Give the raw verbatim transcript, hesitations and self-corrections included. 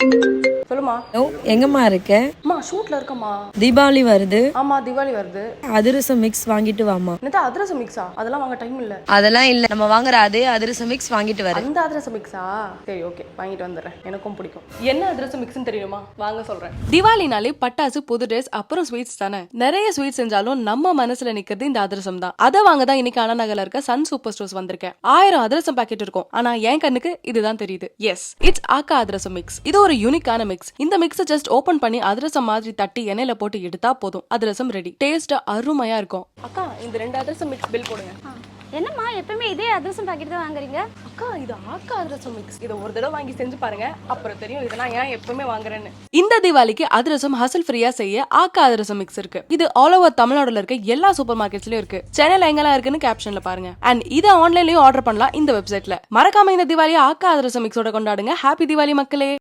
சொல்லுமா. ஓ எங்கம்மா இருக்க? அம்மா ஷூட்ல இருக்கம்மா. தீபாவளி வருது. ஆமா தீபாவளி வருது. அதிரசம் மிக்ஸ் வாங்கிட்டு வாமா. என்னது அதிரசம் மிக்ஸா? அதெல்லாம் வாங்க டைம் இல்ல. அதெல்லாம் இல்ல, நம்ம வாங்குற அதே அதிரசம் மிக்ஸ் வாங்கிட்டு வர. அந்த அதிரசம் மிக்ஸா? சரி ஓகே, வாங்கிட்டு வந்துடுறேன். எனக்கும் பிடிக்கும். என்ன அதிரசம் மிக்ஸ்னு தெரியுமா? வாங்க சொல்றேன். தீபாவளினாலே பட்டாசு, புது ட்ரெஸ், அப்புறம் ஸ்வீட்ஸ் தானே. நிறைய ஸ்வீட்ஸ் செஞ்சாலும் நம்ம மனசுல நிக்கிறது இந்த அதிரசம் தான். அதை வாங்க தான் இன்னைக்கு அண்ணா நகர்ல இருக்க சன் சூப்பர் ஸ்டோர்ஸ் வந்திருக்கேன். ஆயிரம் அதிரசம் பாக்கெட் இருக்கும், ஆனா என் கண்ணுக்கு இதுதான் தெரியுது. Yes, it's akka athirasam mix. இது ஒரு யூனிக்கான மிக்ஸ். இந்த மிக்ஸை ஜஸ்ட் ஓபன் பண்ணி அதிரசம் மாதிரி தட்டி எண்ணெயில போட்டு எடுத்தா போதும், அதிரசம் ரெடி. டேஸ்ட் அருமையா இருக்கும். அக்கா இந்த ரெண்டு அதிரசம் மிக்ஸ் பில் போடுங்க. என்னம்மா எப்பவுமே இதே அதிரசம் பாக்கெட் தான் வாங்குறீங்க? அக்கா இது ஆக்கா அதிரசம் மிக்ஸ். இதை ஒரு தடவை வாங்கி செஞ்சு பாருங்க, அப்புறம் தெரியும் இதை நான் ஏன் எப்பவுமே வாங்குறேன்னு. இந்த தீபாவளிக்கு அதிரசம் ஹசல் ஃப்ரீயா செய்ய ஆக்கா அதிரசம் மிக்ஸ் இருக்கு. இது ஆல் ஓவர் தமிழ்நாடுல இருக்க எல்லா சூப்பர் மார்க்கெட்ஸ்லயும் இருக்கு. சென்னையில எங்கெல்லாம் இருக்குன்னு கேப்ஷன்ல பாருங்க. அண்ட் இதை ஆன்லைன்லயும் ஆர்டர் பண்ணலாம் இந்த வெப்சைட்ல. மறக்காம இந்த தீபாவளியை ஆக்கா அதிரசம் மிக்ஸோட கொண்டாடுங்க. ஹாப்பி தீபாவளி மக்களே.